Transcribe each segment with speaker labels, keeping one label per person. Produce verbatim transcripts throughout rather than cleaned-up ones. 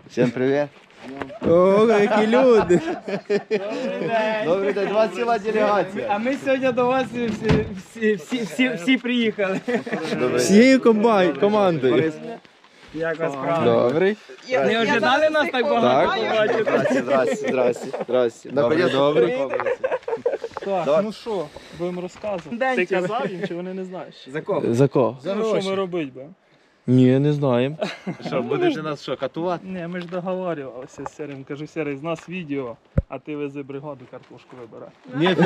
Speaker 1: Всім привіт.
Speaker 2: О, які люди!
Speaker 1: Добрий день, у вас ціла делегація.
Speaker 3: А ми сьогодні до вас всі, всі, всі, всі, всі приїхали.
Speaker 2: Всією комбай, командою.
Speaker 3: Як вас справа?
Speaker 2: Добрий.
Speaker 3: Не ожидали нас так багато
Speaker 2: Так.
Speaker 3: побачити?
Speaker 1: Здрасте, здрасте, здрасте, здрасте.
Speaker 2: Добре, добре.
Speaker 3: Так,
Speaker 1: Давай.
Speaker 3: ну що, будемо розказувати.
Speaker 4: День
Speaker 3: Ти
Speaker 4: тебе.
Speaker 3: казав їм, чи вони не знають? За кого?
Speaker 2: За кого?
Speaker 3: За ну, що ми робити будемо?
Speaker 2: Ні, не знаємо.
Speaker 1: Що, будете нас що, катувати?
Speaker 3: Ні, ми ж договорювалися з Серим. Кажу, Серий, з нас відео, а ти вези бригаду картошку вибирай.
Speaker 1: Ні,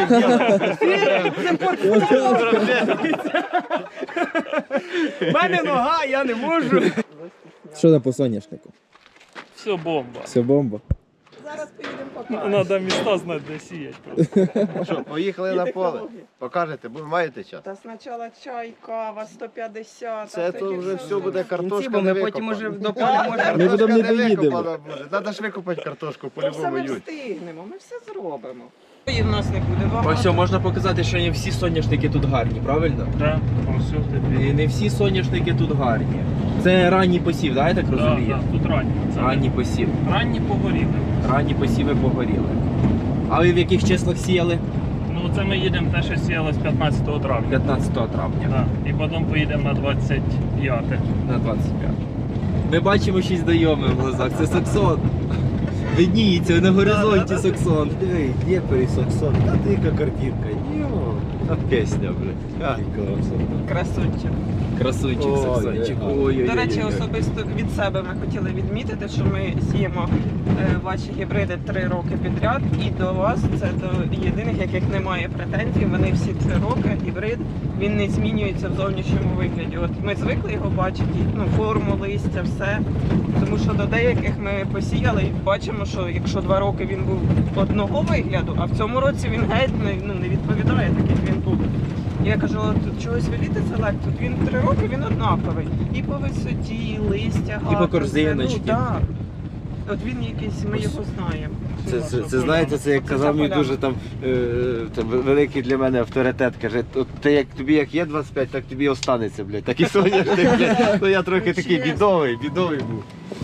Speaker 3: У мене нога, я не можу.
Speaker 2: Що там по соняшнику?
Speaker 3: Все, бомба.
Speaker 2: Все бомба.
Speaker 4: Зараз поїдемо покажемо.
Speaker 3: Треба міста знати, де сіять просто.
Speaker 1: Що, поїхали на поле? Покажете, бо маєте час?
Speaker 4: Та спочатку чай, кава, сто п'ятдесят.
Speaker 1: Це то вже все буде картошка
Speaker 3: Бо
Speaker 1: не
Speaker 3: ми потім
Speaker 1: викопана.
Speaker 3: уже до поля можемо.
Speaker 2: Ми потім не доїдемо.
Speaker 1: викопана буде. Треба ж викопати картошку,
Speaker 4: Все
Speaker 1: по-любому
Speaker 4: ми
Speaker 1: ють.
Speaker 4: встигнемо, ми все зробимо. І в нас не буде багато.
Speaker 5: Ось можна показати, що не всі соняшники тут гарні, правильно?
Speaker 3: Так, все тобі.
Speaker 5: І не всі соняшники тут гарні. Це ранній посів, да, я так
Speaker 3: Так,
Speaker 5: розумію?
Speaker 3: так, тут ранні. Це
Speaker 5: Ранній посів.
Speaker 3: ранні погоріли.
Speaker 5: Ранні посіви погоріли. А ви в яких числах сіяли?
Speaker 3: Ну це ми їдемо те, що сіялось п'ятнадцятого травня.
Speaker 5: п'ятнадцятого травня
Speaker 3: Так. І потім поїдемо на двадцять п'яте.
Speaker 5: на двадцять п'яте. Ми бачимо щось знайоме в глазах. Це Саксон. Видніється на горизонті Саксон.
Speaker 1: Диви, Дніпрі, Саксон, та ти яка картинка. Йо, та пісня, блядь. А,
Speaker 4: Красунчик.
Speaker 5: Красунчик
Speaker 1: Ой,
Speaker 5: Саксончик.
Speaker 1: ой,
Speaker 5: Ой-ой-ой.
Speaker 4: До речі, особисто від себе ми хотіли відмітити, що ми сіємо е, ваші гібриди три роки підряд, і до вас це до єдиних, яких немає претензій. Вони всі три роки гібрид, він не змінюється в зовнішньому вигляді. От ми звикли його бачити, ну форму, листя, все. Тому що до деяких ми посіяли і бачимо, що якщо два роки він був одного вигляду, а в цьому році він геть не, ну, не відповідає так, як він був. Я кажу, от чогось веліти селект, тут він три роки він однаковий. І по висоті, і листя,
Speaker 5: по
Speaker 4: гарно,
Speaker 5: корзиночці.
Speaker 4: все. Ну, так. От він якийсь, ми його знаємо.
Speaker 1: Це, це, це знаєте, це як
Speaker 4: Це
Speaker 1: казав мій
Speaker 4: поляна.
Speaker 1: дуже там, е, там великий для мене авторитет. Каже, от ти як тобі як є двадцять п'ять, так тобі і останеться, блядь. Так і соняшник, блядь. Ну я трохи такий бідовий, бідовий був.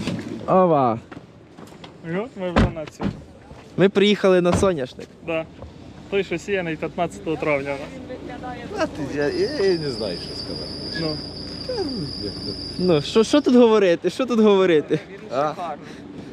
Speaker 2: Ова.
Speaker 3: І от ми вже на цьому.
Speaker 2: Ми приїхали на соняшник.
Speaker 3: Да. Той, що сіяний п'ятнадцятого травня у нас.
Speaker 1: А ти, я, я, я не знаю, що сказати.
Speaker 3: Ну,
Speaker 2: Ну, що, що тут говорити? Що тут говорити?
Speaker 4: Він
Speaker 1: А?
Speaker 4: шикарний.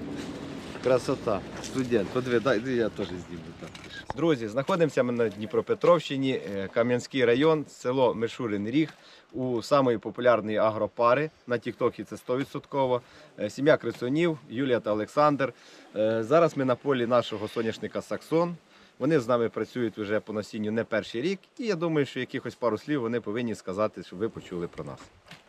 Speaker 1: Красота. Студент, подиви, дай я теж зніму так. Друзі, знаходимося ми на Дніпропетровщині, е, Кам'янський район, село Мишурин Ріг, у самої популярної агропари. На Тіктокі це сто відсотків. Е, Сім'я Крицунів, Юлія та Олександр. Е, Зараз ми на полі нашого соняшника Саксон. Вони з нами працюють вже по насінню не перший рік. І я думаю, що якихось пару слів вони повинні сказати, щоб ви почули про нас.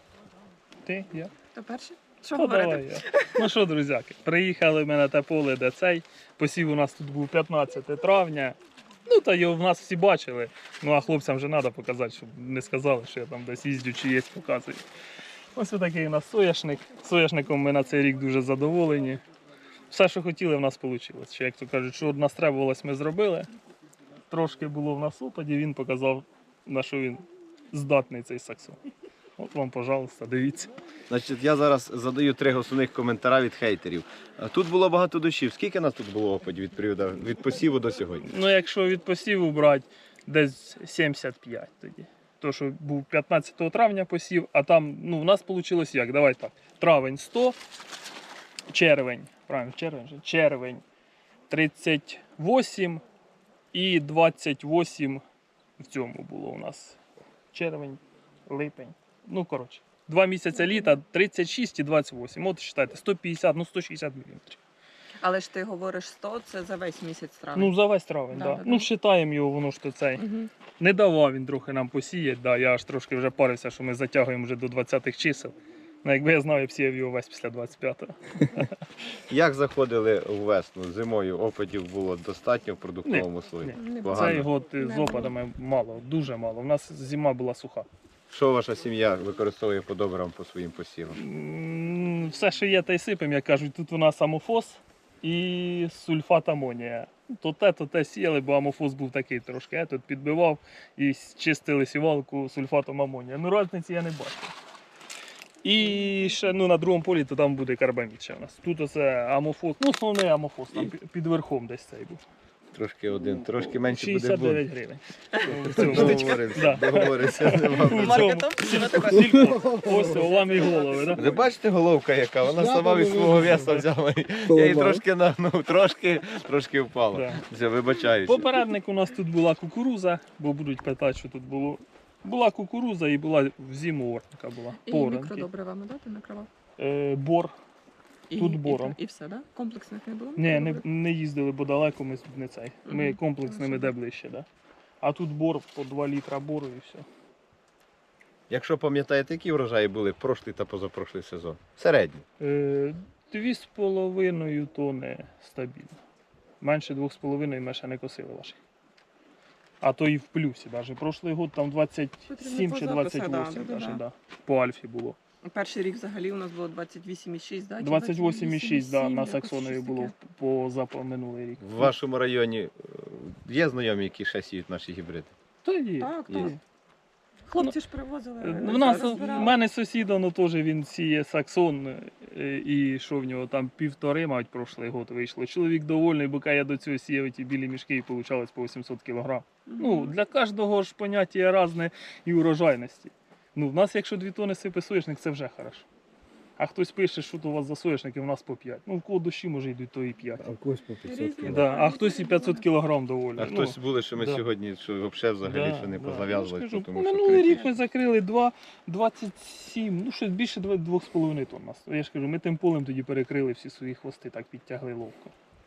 Speaker 3: ти, я.
Speaker 4: То перше? Що
Speaker 3: Ну, давай
Speaker 4: говорити?
Speaker 3: я. Ну що, друзяки, приїхали ми на те поле, де цей. Посів у нас тут був п'ятнадцятого травня. Ну, та його в нас всі бачили. Ну, а хлопцям вже треба показати, щоб не сказали, що я там десь їздю чи є, показую. Ось такий у нас соняшник. Соняшником ми на цей рік дуже задоволені. Все, що хотіли, в нас вийшло. Ще, як то кажуть, що нас требувалось, ми зробили. Трошки було в нас опаді, він показав, на що він здатний цей Саксон. От вам, пожалуйста, дивіться.
Speaker 1: Значить, я зараз задаю три основних коментаря від хейтерів. Е, Тут було багато дощів. Скільки нас тут було опадів від періоду від посіву до сьогодні?
Speaker 3: Ну, якщо від посіву брати, десь сімдесят п'ять тоді. То, що був п'ятнадцятого травня посів, а там, ну, у нас вийшло як? Давай так. Травень сто, червень, правильно, червень, же? червень тридцять вісім і двадцять вісім в цьому було у нас. Червень, липень. Ну, коротше, два місяці літа, тридцять шість і двадцять вісім. От, вважайте, сто п'ятдесят, ну, сто шістдесят міліметрів.
Speaker 4: Але ж ти говориш сто, це за весь місяць травня.
Speaker 3: Ну, за весь травень,
Speaker 4: Да,
Speaker 3: так.
Speaker 4: да,
Speaker 3: Да,
Speaker 4: да.
Speaker 3: Ну, вважаємо його, воно ж то цей.
Speaker 4: Угу.
Speaker 3: Не давав він трохи нам посіяти, да, я аж трошки вже парився, що ми затягуємо вже до двадцятих чисел. Ну, якби я знав, я б сіяв його весь після двадцять п'ятого.
Speaker 1: Як заходили у весну? Зимою опадів було достатньо в продуктовому слої?
Speaker 3: ні.
Speaker 1: Погано.
Speaker 3: Цей год
Speaker 4: Не
Speaker 3: з
Speaker 4: було.
Speaker 3: опадами мало, дуже мало. У нас зима була суха.
Speaker 1: Що ваша сім'я використовує по добрам по своїм посівам?
Speaker 3: М, Все, що є, та й сипем, як кажуть, тут у нас амофос і сульфат амонія. То те, то те сіяли, бо амофос був такий трошки. Я тут підбивав і чистили сівалку сульфатом амонія. Ну, різниці я не бачив. І ще ну, на другому полі то там буде карбамід ще у нас. Тут оце амофос, ну основний амофос, там пі- під верхом десь цей був.
Speaker 1: Трошки один, трошки менше буде
Speaker 3: шістдесят дев'ять
Speaker 1: бути.
Speaker 3: гривень. В цьому.
Speaker 1: Договоримося,
Speaker 3: Да.
Speaker 1: договоримося. нема
Speaker 3: У
Speaker 1: проблем.
Speaker 4: Маркетом
Speaker 3: цьому.
Speaker 4: тебе
Speaker 3: Сільпо. Ось у вам і голови, так?
Speaker 1: Ви бачите головка яка? Вона сама від свого веса взяла. Я її трошки нагнув, трошки, трошки впала.
Speaker 3: Да.
Speaker 1: Все, вибачаюсь.
Speaker 3: Попередник у нас тут була кукуруза, бо будуть питати, що тут було. Була кукуруза і була в зиму орника була.
Speaker 6: І
Speaker 3: Поранки.
Speaker 6: мікродобривами, да, ти накривав?
Speaker 3: Е, бор.
Speaker 6: І,
Speaker 3: Тут
Speaker 6: і-
Speaker 3: бором.
Speaker 6: І, все, да? Комплексних не було?
Speaker 3: Ні, не,
Speaker 6: мікродобрив?
Speaker 3: не їздили, бо далеко ми тут не цей. Ми
Speaker 6: Мгм.
Speaker 3: комплексними де ближче, да. А тут бор по два літра бору і все.
Speaker 1: Якщо пам'ятаєте, які врожаї були прошлий та позапрошлий сезон? Середні.
Speaker 3: Е, Дві з половиною тони стабільно. Менше двох з половиною ми ще не косили ваші. А то і в плюсі навіть. Прошлий год там двадцять сім
Speaker 6: Потрібно
Speaker 3: чи
Speaker 6: по
Speaker 3: двадцять
Speaker 4: запису,
Speaker 3: вісім
Speaker 4: да,
Speaker 3: даже,
Speaker 6: да.
Speaker 3: да. По Альфі було.
Speaker 4: Перший рік взагалі у нас було двадцять вісім і шість, да? чи
Speaker 3: двадцять вісім і шість, да, на
Speaker 6: якось
Speaker 3: Саксонові
Speaker 6: щось
Speaker 3: було
Speaker 6: таке.
Speaker 3: по запа минулий рік.
Speaker 1: В вашому районі е, є знайомі, які ще сіють наші гібриди?
Speaker 3: Та є.
Speaker 6: Так,
Speaker 1: Є.
Speaker 6: так. Хлопці ж привозили.
Speaker 3: Е,
Speaker 6: ми
Speaker 3: У нас у
Speaker 6: розбирали.
Speaker 3: мене сусід, ну теж він сіє Саксон, е, і що в нього там півтори, мабуть, прошлий год вийшло. Чоловік довольний, бо я до цього сіяв ті білі мішки і получалось по вісімсот кілограм. Ну, для кожного ж поняття різне і урожайності. Ну, в нас, якщо дві тони сипе соняшник, це вже хорошо. А хтось пише, що то у вас за соняшники, у нас по п'ять. Ну, в кого дощі може йдуть, то і п'ять.
Speaker 2: А в когось по п'ятсот
Speaker 6: Різні.
Speaker 2: кілограм.
Speaker 3: Да, а хтось і п'ятсот кілограм доволі.
Speaker 1: А
Speaker 3: Ну,
Speaker 1: хтось були, що ми
Speaker 3: да.
Speaker 1: сьогодні що взагалі взагалі
Speaker 3: да,
Speaker 1: що не
Speaker 3: да.
Speaker 1: позав'язували,
Speaker 3: Я ж кажу,
Speaker 1: тому що
Speaker 3: минулий рік
Speaker 1: критично.
Speaker 3: ми закрили два, двадцять сім, ну щось більше два з половиною тонн нас. Я ж кажу, ми тим полем тоді перекрили всі свої хвости, так підтягли ловко.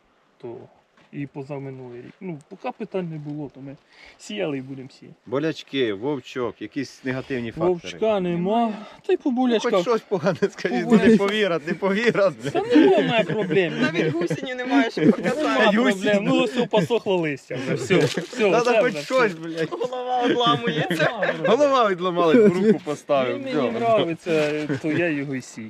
Speaker 3: То і позаминулий рік. Ну, поки питань не було, то ми сіяли і будемо сіяти.
Speaker 1: Болячки, вовчок, якісь негативні фактори.
Speaker 3: Вовчка нема, та й по
Speaker 1: Ну,
Speaker 3: булячках.
Speaker 1: хоч щось погане скажіть,
Speaker 3: Побулячки.
Speaker 1: не повірять, не повірять.
Speaker 3: Та немає проблем.
Speaker 4: Навіть гусені немає, щоб
Speaker 3: Нема
Speaker 4: показати.
Speaker 3: проблем. Ну, все посохло листя вже. Все, все,
Speaker 1: Треба
Speaker 3: це
Speaker 1: хоч
Speaker 3: вже
Speaker 1: щось,
Speaker 3: все.
Speaker 1: блядь.
Speaker 4: Голова одламується.
Speaker 3: Нема проблем.
Speaker 1: Голова відламалась, в руку поставив.
Speaker 3: Він
Speaker 1: все.
Speaker 3: мені подобається, то я його і сію.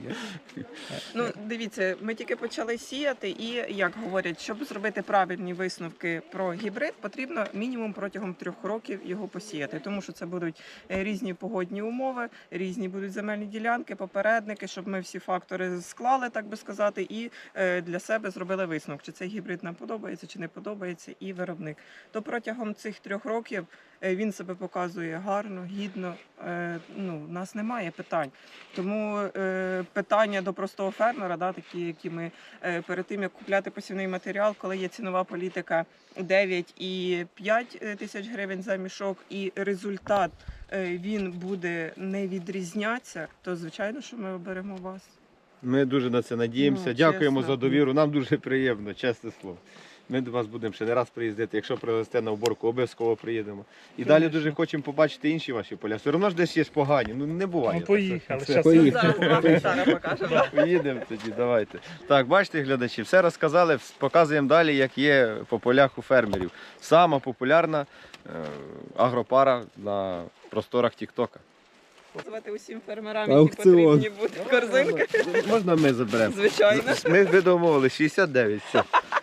Speaker 4: Ну, дивіться, ми тільки почали сіяти, і як говорять, щоб зробити правильні висновки про гібрид, потрібно мінімум протягом трьох років його посіяти, тому що це будуть е, різні погодні умови, різні будуть земельні ділянки, попередники, щоб ми всі фактори склали, так би сказати, і е, для себе зробили висновок, чи цей гібрид нам подобається, чи не подобається, і виробник. То протягом цих трьох років е, він себе показує гарно, гідно. Е, ну, в нас немає питань. Тому е, питання до простого фермера, да, такі, які ми е, перед тим, як купляти посівний матеріал, коли є цінова політика дев'ять і п'ять тисяч гривень за мішок, і результат е, він буде не відрізнятися, то звичайно, що ми оберемо вас.
Speaker 1: Ми дуже на це надіємося.
Speaker 4: Ну,
Speaker 1: Дякуємо
Speaker 4: чесно.
Speaker 1: за довіру. Нам дуже приємно, чесне слово. Ми до вас будемо ще не раз приїздити. Якщо привезете на уборку, обов'язково приїдемо. І далі
Speaker 3: Конечно.
Speaker 1: дуже хочемо побачити інші ваші поля. Все одно ж десь є погані. Ну не буває.
Speaker 3: Ну, поїхали.
Speaker 1: Це-
Speaker 3: Щас
Speaker 2: Поїхали.
Speaker 4: Зараз вам Оксана покаже. да.
Speaker 1: Поїдемо тоді, давайте. Так, бачите, глядачі, все розказали, показуємо далі, як є по полях у фермерів. Сама популярна е, агропара на просторах Тіктока.
Speaker 4: Звати усім фермерам, які
Speaker 2: Аукціон.
Speaker 4: потрібні будуть корзинки.
Speaker 1: Можна ми заберемо?
Speaker 4: Звичайно.
Speaker 1: Ми ви домовили шістдесят дев'ять. Все.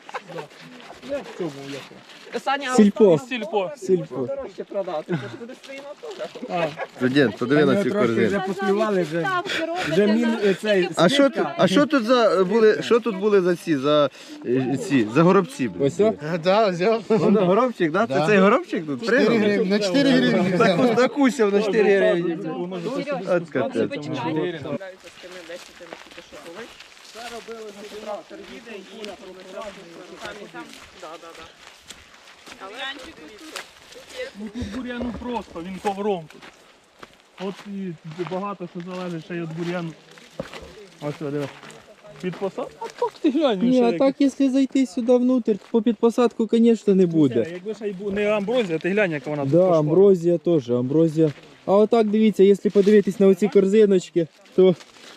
Speaker 3: Я в цьому, я в цьому.
Speaker 4: Саня,
Speaker 2: Сільпо.
Speaker 4: останнє
Speaker 3: Сільпо.
Speaker 2: Сільпо.
Speaker 4: можна дорожче продати. Це ж буде своїм теж.
Speaker 3: А,
Speaker 1: Студент, подиви на цю корзину.
Speaker 2: вже поспівали, вже, вже мін е, цей.
Speaker 1: А що тут, а що тут за були, що тут були за ці, за е, ці, за горобці? були?
Speaker 2: Ось о?
Speaker 7: Да, взяв.
Speaker 1: Воно горобчик, да? Це цей горобчик тут?
Speaker 7: чотири
Speaker 1: Пригнув?
Speaker 7: гривні, на чотири гривні.
Speaker 1: Таку- Закусив на чотири гривні.
Speaker 3: воно ж ось сюди
Speaker 1: От
Speaker 3: спускається,
Speaker 1: капець.
Speaker 3: там
Speaker 6: Почекай.
Speaker 3: чотири.
Speaker 4: Справляються з тими десятими, тільки що були. Це робили, що трактор їде і руками там. Да, да, да. Але дивіться,
Speaker 3: Ну тут бур'яну просто, він ковром тут. От і багато що залежить ще й від бур'яну. Ось що, диви. Під посад? А так ти глянь.
Speaker 2: Ні,
Speaker 3: ще
Speaker 2: а
Speaker 3: як-
Speaker 2: так, якщо зайти сюди внутрь, по підпосадку, звісно, не
Speaker 3: Це,
Speaker 2: буде.
Speaker 3: Якби ще й бу- не амброзія, ти глянь, як вона тут
Speaker 2: Да,
Speaker 3: пошла.
Speaker 2: амброзія теж, амброзія. А отак дивіться, якщо подивитись на оці корзиночки, то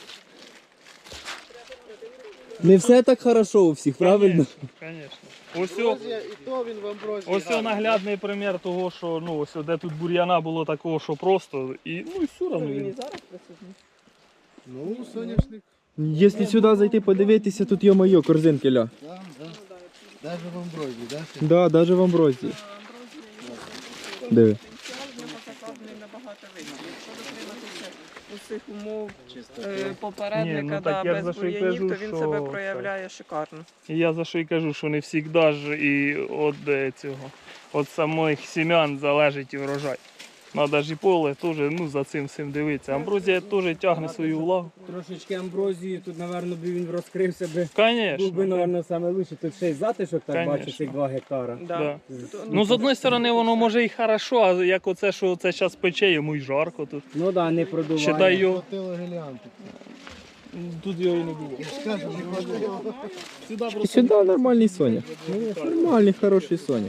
Speaker 2: не все так хорошо у всіх, правильно?
Speaker 3: Звісно. Ось, о-
Speaker 7: І то він в амброзії.
Speaker 3: ось о наглядний примір того, що ну, ось о, де тут бур'яна було такого, що просто. І, ну і все одно
Speaker 4: він і
Speaker 3: він.
Speaker 4: зараз присутній.
Speaker 7: Ну, соняшник.
Speaker 2: Якщо сюди зайти подивитися, тут йо-моє, корзинки ля.
Speaker 7: Да, да. Даже в амброзії, да?
Speaker 2: Да, навіть в амброзії. Диви.
Speaker 4: Потенціал в нього закладений набагато вищий. Якщо дотриматися усіх умов е,
Speaker 3: Ні,
Speaker 4: попередника,
Speaker 3: ну,
Speaker 4: да,
Speaker 3: так я
Speaker 4: без
Speaker 3: за що й
Speaker 4: бур'янів,
Speaker 3: кажу,
Speaker 4: то він
Speaker 3: що
Speaker 4: себе
Speaker 3: це-
Speaker 4: проявляє шикарно.
Speaker 3: І я за що й кажу, що не завжди ж і від е, цього, від самих сім'ян залежить і врожай. Надо ж і поле теж, ну, за цим всім дивитися. Амброзія теж тягне свою увагу.
Speaker 5: Трошечки амброзії, тут, напевно, би він розкрився би. Був
Speaker 3: Звісно.
Speaker 5: би, напевно, саме лучше. Тут ще й затишок, так
Speaker 3: Конечно.
Speaker 5: бачу, цих два гектара.
Speaker 4: Да.
Speaker 3: Да.
Speaker 4: Тут,
Speaker 3: Ну, з одної сторони, воно може і хорошо, а як оце, що це зараз пече, йому й жарко тут.
Speaker 5: Ну так, да, не продуває.
Speaker 3: Считай його,
Speaker 7: Хватило геліантик.
Speaker 3: тут його і не було.
Speaker 7: Скажем, не хватило.
Speaker 2: І сюди нормальний соняк. Нормальний, хороший соняк.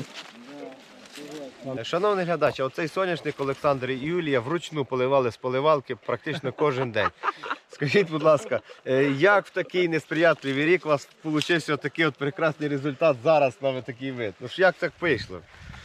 Speaker 1: Шановний глядач, а оцей соняшник Олександр і Юлія вручну поливали з поливалки практично кожен день. Скажіть, будь ласка, е, як в такий несприятливий рік у вас вийшов такий от прекрасний результат зараз на такий вид? Ну ж як так вийшло?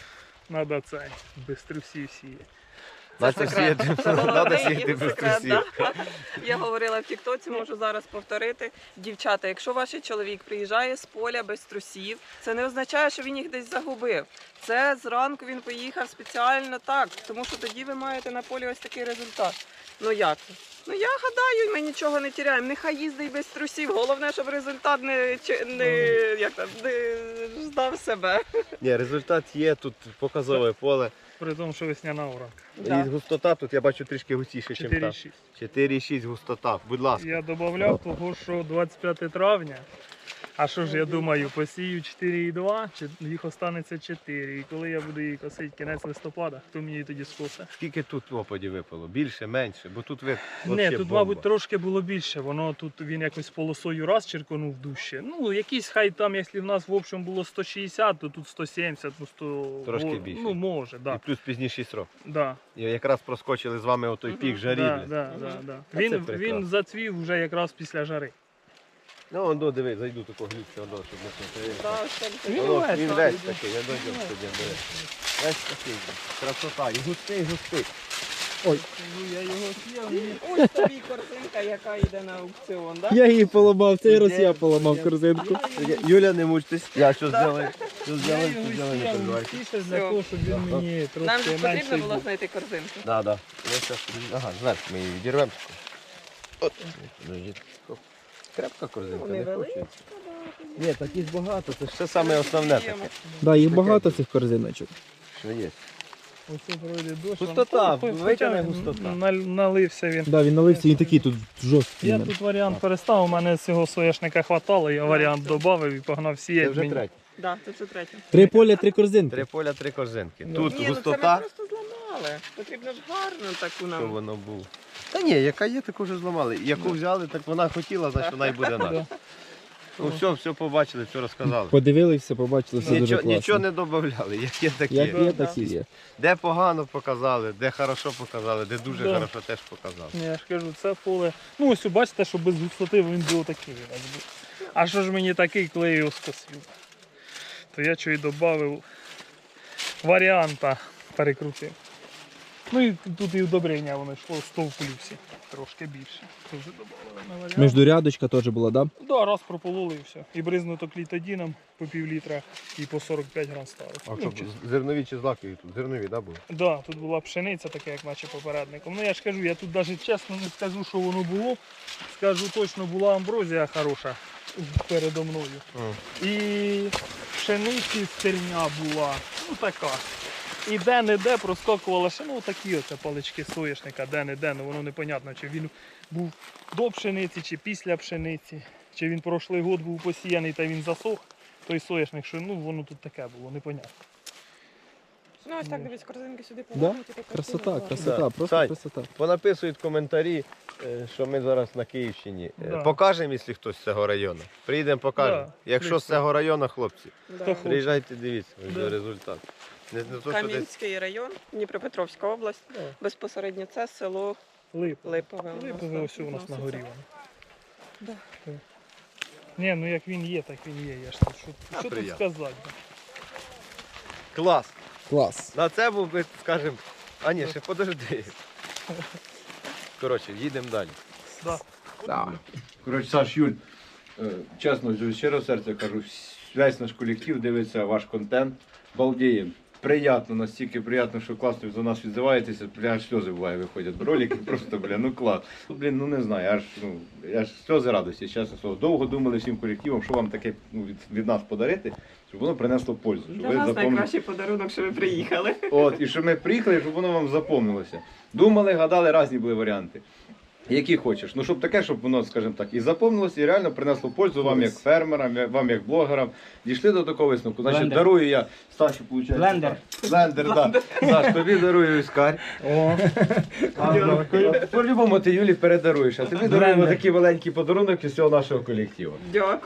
Speaker 3: Надо це, без трусів сіяти.
Speaker 1: Надо
Speaker 4: секрет.
Speaker 1: сіяти,
Speaker 4: Це
Speaker 1: надо
Speaker 4: головний
Speaker 1: сіяти без
Speaker 4: секрет,
Speaker 1: трусів.
Speaker 4: да. Я говорила в Тіктоці, можу зараз повторити. Дівчата, якщо ваш чоловік приїжджає з поля без трусів, це не означає, що він їх десь загубив. Це зранку він поїхав спеціально так, тому що тоді ви маєте на полі ось такий результат. Ну як? Ну я гадаю, ми нічого не тіряємо. Нехай їздить без трусів. Головне, щоб результат не, чи- не, як там, не здав себе.
Speaker 1: Ні, результат є, тут показове поле.
Speaker 3: При тому, що весняна уранка.
Speaker 1: І густота тут я бачу трішки густіше, ніж
Speaker 3: чотири
Speaker 1: там.
Speaker 3: шість.
Speaker 1: чотири шість густота. Будь ласка.
Speaker 3: Я додавав того, що двадцять п'яте травня. А що ж я думаю, посію чотири і два, чи їх останеться чотири. І коли я буду її косити кінець листопада, хто мені її тоді скосе?
Speaker 1: Скільки тут опадів випало? Більше, менше? Бо тут вид
Speaker 3: Ні,
Speaker 1: вообще
Speaker 3: тут,
Speaker 1: бомба.
Speaker 3: мабуть, трошки було більше. Воно тут він якось полосою раз черконув дужче. Ну, якийсь хай там, якщо в нас в общем було сто шістдесят, то тут сто сімдесят, ну сто...
Speaker 1: Трошки
Speaker 3: О,
Speaker 1: більше.
Speaker 3: Ну, може,
Speaker 1: І
Speaker 3: так.
Speaker 1: плюс пізніший срок.
Speaker 3: Да. Да.
Speaker 1: І якраз проскочили з вами отой пік жарі.
Speaker 3: Да,
Speaker 1: блін.
Speaker 3: да, да, да.
Speaker 1: Та це
Speaker 3: Він,
Speaker 1: прекрасно.
Speaker 3: він зацвів вже якраз після жари.
Speaker 1: Ну, он, до, диви, зайду такого глюця, щоб не
Speaker 4: Да, ось так.
Speaker 3: Він
Speaker 1: Воно,
Speaker 3: весь
Speaker 1: він
Speaker 3: так,
Speaker 1: весь
Speaker 3: іде.
Speaker 1: такий, я дойдем сьогодні. диви. Весь такий. Красота. І густий, густий.
Speaker 3: Ну, я його з'їв.
Speaker 4: Ось тобі картинка, яка йде на аукціон, да?
Speaker 2: Я її поламав, цей раз я поламав корзинку.
Speaker 1: Юля, не мучтесь. Я що зробив? Що
Speaker 3: Я
Speaker 1: зробив,
Speaker 3: його
Speaker 1: що зробив, не
Speaker 3: з'їв
Speaker 1: переживайте.
Speaker 3: тіше для
Speaker 4: Всьо.
Speaker 3: того, щоб він мені
Speaker 4: Нам же
Speaker 3: трошки
Speaker 4: потрібно
Speaker 3: менший
Speaker 4: було
Speaker 3: був.
Speaker 4: знайти корзинку.
Speaker 1: Да, да. Я щас, ага, зверху ми її відірвемо. От. Подождіть. Крепка корзинка,
Speaker 4: Вони
Speaker 1: не
Speaker 4: великі.
Speaker 1: хочу. Ні, таких багато, це ж все саме основне таке,
Speaker 2: Да, їх багато цих корзиночок.
Speaker 1: що є.
Speaker 3: Оце пройде дощ.
Speaker 1: Густота,
Speaker 3: Ну,
Speaker 1: витягне
Speaker 3: хоча
Speaker 1: густота.
Speaker 3: наль- Налився він.
Speaker 2: Да, він налився, він такий тут жорсткий.
Speaker 3: Я тут варіант перестав, у мене цього соняшника хватало, я варіант додав і погнав
Speaker 1: Це
Speaker 3: сіяти.
Speaker 1: вже
Speaker 3: Мені-
Speaker 1: третє.
Speaker 4: Да, це це третє.
Speaker 2: Три поля, три корзинки.
Speaker 1: Три поля, три корзинки.
Speaker 3: Ну.
Speaker 1: Тут
Speaker 4: Ні, ну це ми
Speaker 1: густота,
Speaker 4: просто зламали. Потрібно ж гарно таку
Speaker 1: що
Speaker 4: нам.
Speaker 1: воно було. Та ні, яка є, таку вже зламали. Яку взяли, так вона хотіла, значить вона й буде наша.
Speaker 3: Да.
Speaker 1: Ну все, все побачили, все розказали.
Speaker 2: Подивилися, побачили, все дуже
Speaker 1: Нічого,
Speaker 2: класно.
Speaker 1: нічого не додавали, як є такі.
Speaker 2: Як є,
Speaker 3: Да,
Speaker 2: так і є.
Speaker 1: Де погано показали, де хорошо показали, де дуже
Speaker 3: Да.
Speaker 1: хорошо теж показали.
Speaker 3: Ні, я ж кажу, це поле. Ну ось бачите, що без густоти він був такий. у нас був. А що ж мені такий, коли я його скосив? То я чого й додав варіанта перекрутив. Ну і тут і удобрення воно йшло сто в плюсі. Трошки більше. Це вже додали на варіант.
Speaker 2: Міждурядочка теж була, да?
Speaker 3: Да, раз пропололи і все. І бризнуто клітодіном по пів літра і по сорок п'ять грам ставив.
Speaker 1: А
Speaker 3: Ну,
Speaker 1: що,
Speaker 3: чисто.
Speaker 1: зернові чи злакові тут? Зернові, да, були?
Speaker 3: Да, тут була пшениця, така як наче попередником. Ну я ж кажу, я тут навіть чесно не скажу, що воно було. Скажу точно, була амброзія хороша передо мною. І пшениці стерня була, ну така. І де-не-де проскакувала ще, ну такі оце палички соняшника, де-не-де, ну воно непонятно, чи він був до пшениці, чи після пшениці, чи він прошлий год був посіяний та він засох, той соняшник, що ну воно тут таке було, непонятно.
Speaker 4: Ну ось так дивись, корзинки сюди
Speaker 2: Да?
Speaker 4: повернуті. така
Speaker 2: Красота,
Speaker 4: картина гарна.
Speaker 2: красота,
Speaker 1: Да.
Speaker 2: просто
Speaker 1: Сань.
Speaker 2: красота.
Speaker 1: Понаписують коментарі, е, що ми зараз на Київщині. Е,
Speaker 3: Да.
Speaker 1: Покажемо, якщо хтось з цього району. Приїдемо, покажемо.
Speaker 3: Да,
Speaker 1: Якщо з
Speaker 3: звісно.
Speaker 1: цього району, хлопці,
Speaker 4: Да.
Speaker 3: Хто хоче.
Speaker 1: приїжджайте, дивіться, ось
Speaker 3: Да.
Speaker 1: результат. Не, не то, що десь
Speaker 4: Кам'янський район, Дніпропетровська область.
Speaker 3: Да.
Speaker 4: Безпосередньо це село
Speaker 3: Липа.
Speaker 4: Липове. у нас,
Speaker 3: Липове
Speaker 4: так,
Speaker 3: ось у нас на горі воно.
Speaker 4: Да.
Speaker 3: Так. Ні, ну як він є, так він є. Я ж тут, що,
Speaker 1: А,
Speaker 3: що тут
Speaker 1: приємно.
Speaker 3: сказати?
Speaker 1: клас.
Speaker 2: Клас.
Speaker 1: На це був би, скажімо, а ні, ще подожди. Коротше, їдемо далі.
Speaker 3: Да.
Speaker 2: Да.
Speaker 1: Коротше, Саш, Юль, е, чесно, з щирого серця кажу, весь наш колектив дивиться ваш контент, балдіє. приємно, настільки приємно, що класно за нас відзиваєтеся, бля, аж сльози буває виходять. Ролики просто, бля, ну клас. Ну, блін, ну не знаю, аж, ну, аж сльози радості, чесно слово. Довго думали всім колективом, що вам таке ну, від, від нас подарити, щоб воно принесло пользу. Щоб
Speaker 4: Для
Speaker 1: ви
Speaker 4: нас
Speaker 1: запомнили.
Speaker 4: найкращий подарунок, що ви приїхали.
Speaker 1: От, і щоб ми приїхали, щоб воно вам запомнилося. Думали, гадали, різні були варіанти. Які хочеш. Ну, щоб таке, щоб воно, скажімо так, і запомнилося, і реально принесло пользу вам як фермерам, я- вам як блогерам. Дійшли до такого висновку. Значить,
Speaker 8: Блендер.
Speaker 1: дарую я Стасю, виходить.
Speaker 8: Блендер.
Speaker 1: Блендер, так. Саш, тобі дарую іскарь.
Speaker 8: О,
Speaker 1: По-любому ти Юлі передаруєш, а тобі даруємо
Speaker 8: Блендер.
Speaker 1: такий маленький подарунок із цього нашого колективу.
Speaker 4: Дякую.